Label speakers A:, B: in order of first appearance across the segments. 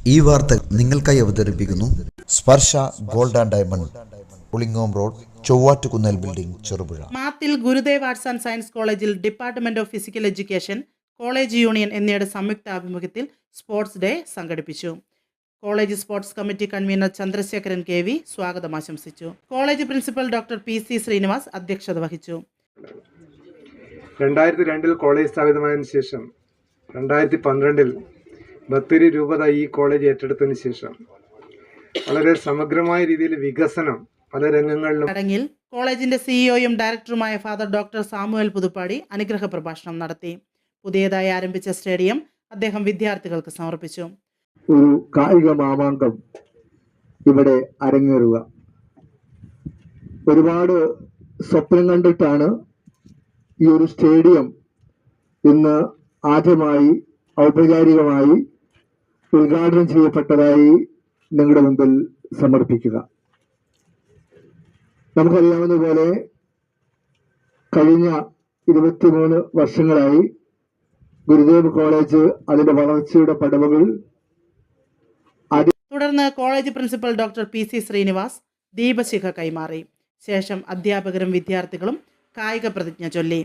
A: ഈ വാർത്ത നിങ്ങൾക്കായി അവതരിപ്പിക്കുന്നു Sparsha gold and diamond, Pulingome road, Chovvattukunnel building, Cherupuzha.
B: Mathil Gurudev arts and science കോളേജിൽ department of physical education, college union എന്നിവയുടെ സംയുക്ത ആഭിമുഖ്യത്തിൽ സ്പോർട്സ് ഡേ സംഘടിപ്പിച്ചു. College sports committee convener Chandrasekharan KV സ്വാഗതം ആശംസിച്ചു. College principal doctor PC Srinivas അധ്യക്ഷത വഹിച്ചു.
C: 2002 കോളേജ് സ്ഥാപിതമായതിനു ശേഷം 2012 ബത്തേരി രൂപത ഈ കോളേജ് ഏറ്റെടുത്തതിന് ശേഷം വളരെ സമഗ്രമായ രീതിയിൽ വികസനം പല രംഗങ്ങളിലും.
B: ചടങ്ങിൽ കോളേജിന്റെ CEOയും ഡയറക്ടറുമായ ഫാദർ ഡോക്ടർ സാമുവൽ പുതുപ്പാടി അനുഗ്രഹ പ്രഭാഷണം നടത്തി. പുതിയതായി ആരംഭിച്ച സ്റ്റേഡിയം അദ്ദേഹം വിദ്യാർത്ഥികൾക്ക് സമർപ്പിച്ചു.
D: ഒരു കായിക മാമാങ്കം ഇവിടെ അരങ്ങേറുക. ഒരുപാട് സ്വപ്നം കണ്ടിട്ടാണ് ഈ ഒരു സ്റ്റേഡിയം ഇന്ന് ആദ്യമായി ഔപചാരികമായി ഉദ്ഘാടനം ചെയ്യപ്പെട്ടതായി നിങ്ങളുടെ മുമ്പിൽ സമർപ്പിക്കുക. നമുക്കറിയാവുന്നതുപോലെ കഴിഞ്ഞ 23 വർഷങ്ങളായി ഗുരുദേവ് കോളേജ് അതിന്റെ വളർച്ചയുടെ പടവുകൾ.
B: തുടർന്ന് college principal doctor PC Srinivas ദീപശിഖ കൈമാറി. ശേഷം അധ്യാപകരും വിദ്യാർത്ഥികളും കായിക പ്രതിജ്ഞ ചൊല്ലി.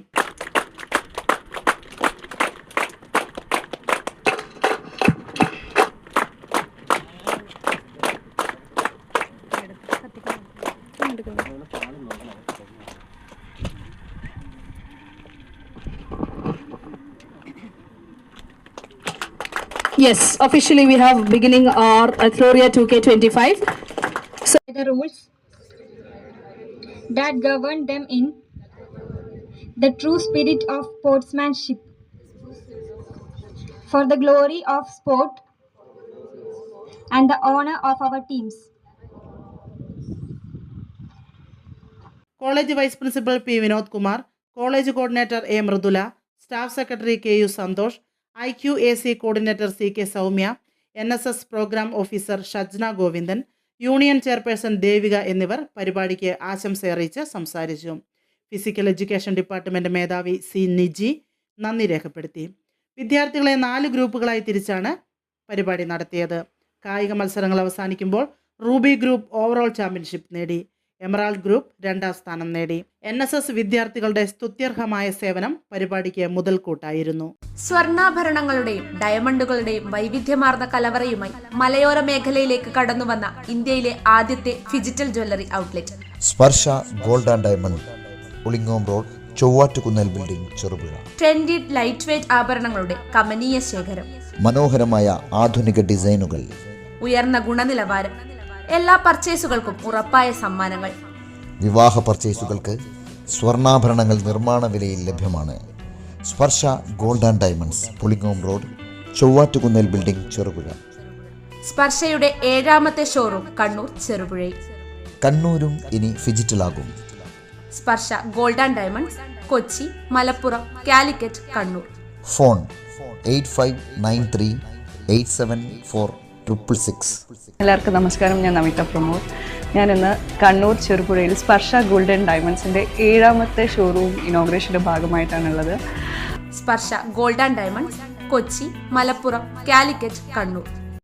E: Yes, officially we have beginning our Gloria 2K25.
F: So the rules that govern them in the true spirit of sportsmanship, for the glory of sport and the honor of our teams.
B: College vice principal P Vinod Kumar, college coordinator A Mridula, staff secretary KU Santhosh, IQAC coordinator CK Soumya, NSS programme officer Shajna Govindan, union chairperson Devika എന്നിവർ പരിപാടിക്ക് ആശംസയറിയിച്ച് സംസാരിച്ചു. Physical education department മേധാവി C Niji നന്ദി രേഖപ്പെടുത്തി. വിദ്യാർത്ഥികളെ 4 ഗ്രൂപ്പുകളായി തിരിച്ചാണ് പരിപാടി നടത്തിയത്. കായിക മത്സരങ്ങൾ അവസാനിക്കുമ്പോൾ റൂബി ഗ്രൂപ്പ് ഓവറോൾ ചാമ്പ്യൻഷിപ്പ് നേടി. എമറാൾഡ് ഗ്രൂപ്പ് 2ാം സ്ഥാനം നേടി. NSS വിദ്യാർത്ഥികളുടെ സ്തുത്യർഹമായ സേവനം പരിപാടിക്ക് മുതൽക്കൂട്ടായിരുന്നു.
G: സ്വർണ്ണാഭരണങ്ങളുടെയും ഡയമണ്ടുകളുടെയും വൈവിധ്യമാർന്ന കലവറയുമായി മലയോര മേഖലയിലേക്ക് കടന്നുവന്ന ഇന്ത്യയിലെ ആദ്യത്തെ digital jewellery outlet
A: Sparsha gold and diamond, Pulingome road, Chovvattukunnel building, Cherupuzha.
G: Trendy light weight ആഭരണങ്ങളുടെ കമനീയ ശേഖരം,
A: മനോഹരമായ ആധുനിക ഡിസൈനുകൾ,
G: ഉയർന്ന ഗുണനിലവാരം, എല്ലാ പർച്ചേസുകൾക്കും ഉറപ്പായ സമ്മാനങ്ങൾ.
A: വിവാഹ പർച്ചേസുകൾക്ക് സ്വർണ്ണാഭരണങ്ങൾ നിർമ്മാണ വിലയിൽ ലഭ്യമാണ്. Sparsha gold and diamonds, Pulingome road, Chovvattukunnel building, Cherupuzha.
G: സ്പർശയുടെ 7ാമത്തെ ഷോറൂം കണ്ണൂർ, ചെറുപുഴയിൽ.
A: കണ്ണൂരും ഇനി ഫിജിറ്റലാകും.
G: Sparsha gold and diamonds, Kochi, Malappuram, Calicut, Kannur.
A: Phone 8593874666.
E: എല്ലാവർക്കും നമസ്കാരം. ഞാൻ നമിത പ്രമോദ്. ഞാനിന്ന് കണ്ണൂർ ചെറുപുഴയിൽ സ്പർശ ഗോൾഡ് ആൻഡ് ഡയമണ്ട്സിൻ്റെ 7ാമത്തെ ഷോറൂം ഇനോഗ്രേഷൻ്റെ ഭാഗമായിട്ടാണുള്ളത്.
G: Sparsha gold and diamonds, Kochi, Malappuram, Calicut, Kannur.